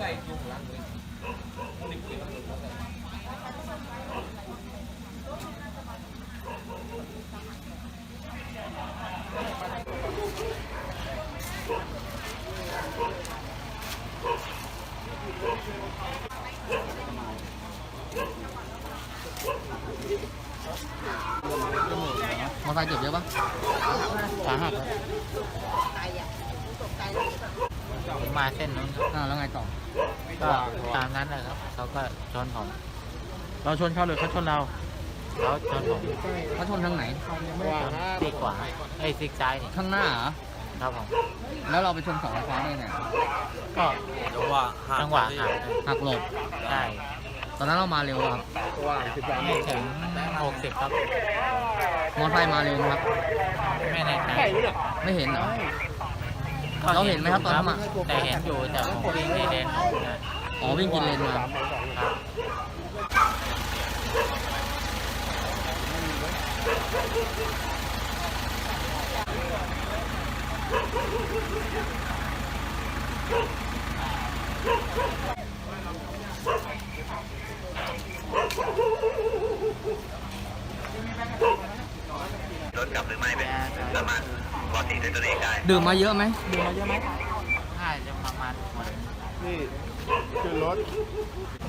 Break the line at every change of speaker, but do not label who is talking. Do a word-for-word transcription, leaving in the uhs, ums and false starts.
มอไซค์เจ็บเยอะปะสาหัสครับผมมาเส้นนู้นอ่าแล้วไงต่อก็ตามนั้นเลยครับเขาก็ชนผมเราชนเขาหรือเขาชนเราเขาชนผมเขาชนทางไหนชนซีกขวาไอ้ซีกซ้ายนี่ข้างหน้าเหรอครับผมแล้วเราไปชนเสาไฟฟ้าได้ไงก็จังหวะจังหวะหักหักหลบใช่ตอนนั้นเรามาเร็วครับไม่ถึงหกสิบครับมอเตอร์ไซค์มาเร็วครับไม่แน่ใจไม่เห็นเหรอเราเห็นไหมครับตอนนั้นแต่เห็นอยู่แต่ผมวิ่งในเลนอ๋อวิ่งกินเลนมา
รถกลับหรือไม่เป็นสามารถปกติด้วยตัวเองได้
ดื่มมาเยอะไหมดื่มมาเยอะไหมใช่จะประมาณ
นี่คือรถ